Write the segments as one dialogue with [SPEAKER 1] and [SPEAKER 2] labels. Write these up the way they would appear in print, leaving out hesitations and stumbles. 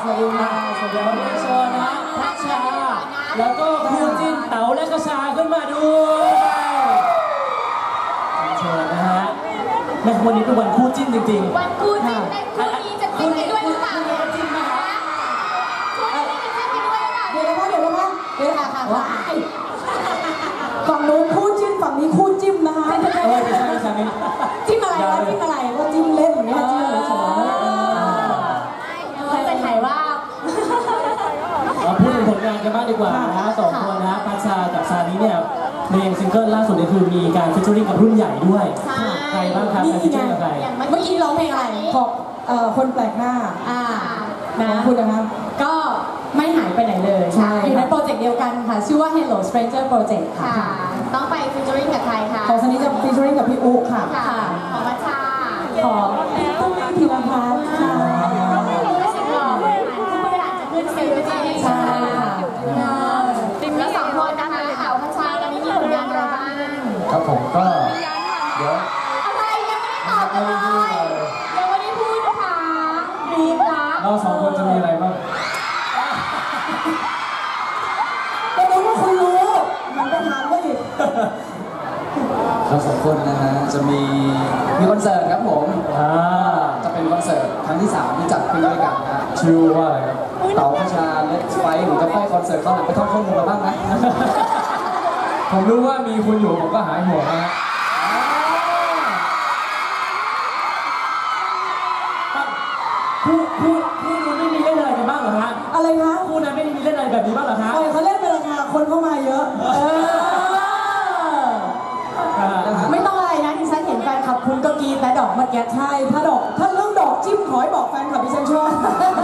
[SPEAKER 1] สวัสดีค่ะสวัสดีค่ะเชิญนะพัชชาแล้วก็คู่จิ้นเต๋าและกระชาขึ้นมาด้วยเชิญนะฮะแม่วันนี้เป็นวันคู่จิ้นจริงๆ
[SPEAKER 2] วันคู่จิ้นในคู่นี้จะจิ้นกันด้วยหรือเปล่าเนี่ยจิ้นมาคู่นี้จะจิ้นกันด้วยหรือเปล่าเดี๋ยวค่ะ
[SPEAKER 3] ฝั่งนู้นคู่จิ้นฝั่งนี้คู่จิ้มนะคะ
[SPEAKER 1] ไม่ใช่
[SPEAKER 3] จิ้มอะไรวะจิ้มอะไรว่าจิ้มเล่นอย่างเงี้ยจิ้มเฉย
[SPEAKER 2] เขาจะถ่ายว่า
[SPEAKER 1] พูดถึงผลงานกันบ้างดีกว่านะสองคนนะพัชชากับซานิเนี่ยเพลงซิงเกิลล่าสุดเนี่ยคือมีการฟีเจอริ่งกับรุ่นใหญ่ด้วยใครบ้างครับการฟีเจอริ่งกับใคร
[SPEAKER 3] เมื่อกี้ร้องเพลงอะไรของคนแปลกหน้านะคุณนะครับก็ไม่หายไปไหนเลยอยู่ในโปรเจกต์เดียวกันค่ะชื่อว่า Hello Stranger Project ค่ะ
[SPEAKER 2] ต้องไปฟีเจอริ่งกับใครคะ
[SPEAKER 3] ของซันนี่จะฟีเจอริ่งกับพี่อุ๊ค่ะ
[SPEAKER 2] ของพัชชา
[SPEAKER 3] ของพี่ตุ้มธีรพัฒน์ค่ะ
[SPEAKER 2] ขึ้นเซลล์ด้วยใช่ค่ะแล้วสองคนนะคะเต๋าพัชชาแล้วนี่มีผลงานอะไรบ้าง
[SPEAKER 4] ครับผมก็เดี๋ยว
[SPEAKER 2] อะไรยังไม่ได้ตอบเลยยังไม่ได้พูดนะคะรีบละ
[SPEAKER 4] เราสองคนจะมีอะไรบ้าง
[SPEAKER 3] ก็รู้ว่าคุณรู้มันไปถามก็อีก
[SPEAKER 4] เราสองคนนะฮะจะมีคอนเสิร์ตครับผมจะเป็นคอนเสิร์ตครั้งที่3ที่จัดขึ้นด้วยกันนะชื่อว่าอะไรครับเต๋าพัชชาเล็กไฟผมจะไปคอนเสิร์ตเขาหลังไปท่องข้อมูลมาบ้างนะผมรู้ว่ามีคุณอยู่ผมก็หายห่วงนะฮะ
[SPEAKER 1] คู่นั้นไม่มีเล่นอะไรกันบ้างเหรอฮะ
[SPEAKER 3] อะไรคะ
[SPEAKER 1] คู่นั้นไม่มีเล่นอะไรแบบนี้บ้างเหรอฮะ
[SPEAKER 3] เขาเล่นเป็นราคาคนเข้ามาเยอะไม่ต้องอะไรนะดิฉันเห็นแฟนคลับคุณก็กีแต่ดอกเมื่อกี้ใช่ถ้าเรื่องดอกจิ้มขอให้บอกแฟนคลับดิฉันชอบ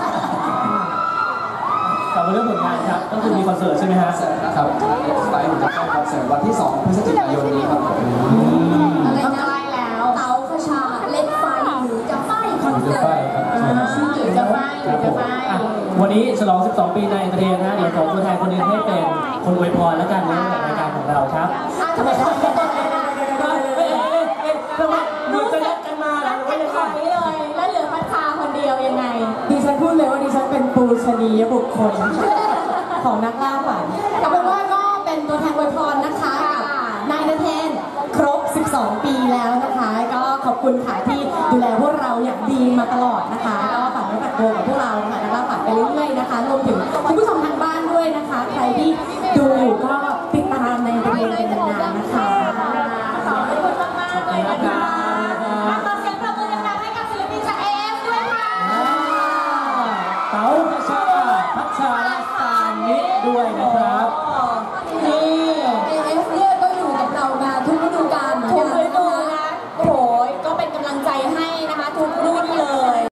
[SPEAKER 1] กลับมาเรื่องผลงานครับก็คือมีคอนเสิร์ตใช่ไหมฮะ
[SPEAKER 4] นะครับไปผมจะเข้าคอนเสิร์ตวันที่2 พฤศจิกายนนี้ครับ
[SPEAKER 2] อะไรนะแล้วเต๋าพัชชาเล่นไฟหรือจะไฟคอนเสิร์ตหรือจะไฟ
[SPEAKER 1] วันนี้ฉลอง12 ปีในประเทศนะเดี๋ยวของตัวแทนคนนึงให้เป็นคนอวยพรแล้วกันในรายการของเราครับ
[SPEAKER 2] ทำไมต้องเป็นตัวแทน
[SPEAKER 1] เหมือนจะนัดกันมาแล้ว
[SPEAKER 2] ไม่ได้ค่ะไม่เลยแล้วเหลือพัชชาคนเดียวยังไง
[SPEAKER 3] ดิฉันพูดเลยว่าดิฉันเป็นปูชนียบุคคลของนักล่าฝันเอาเป็นว่าก็เป็นตัวแทนอวยพรนะคะกับนายณเทนครบ12 ปีแล้วนะคะก็ขอบคุณค่ะที่ดูแลพวกเราอย่างดีมาตลอดนะคะก็ฝากไว้ฝากตัวกับพวกเราค่ะนักล่าฝันไปเรื่อยๆนะคะรวมถึงคุณผู้ชมทางบ้านด้วยนะคะใครที่ดูอยู่ก็ติดตามในเพลงเป็นนานๆนะคะ
[SPEAKER 2] ขอบคุณมากๆเลยนะคะขอเสียงปรบมือดังๆให้กับศิลปินจาก AF ด้วยค่ะ
[SPEAKER 1] เต๋าพัชชาและซานิด้วยนะครับ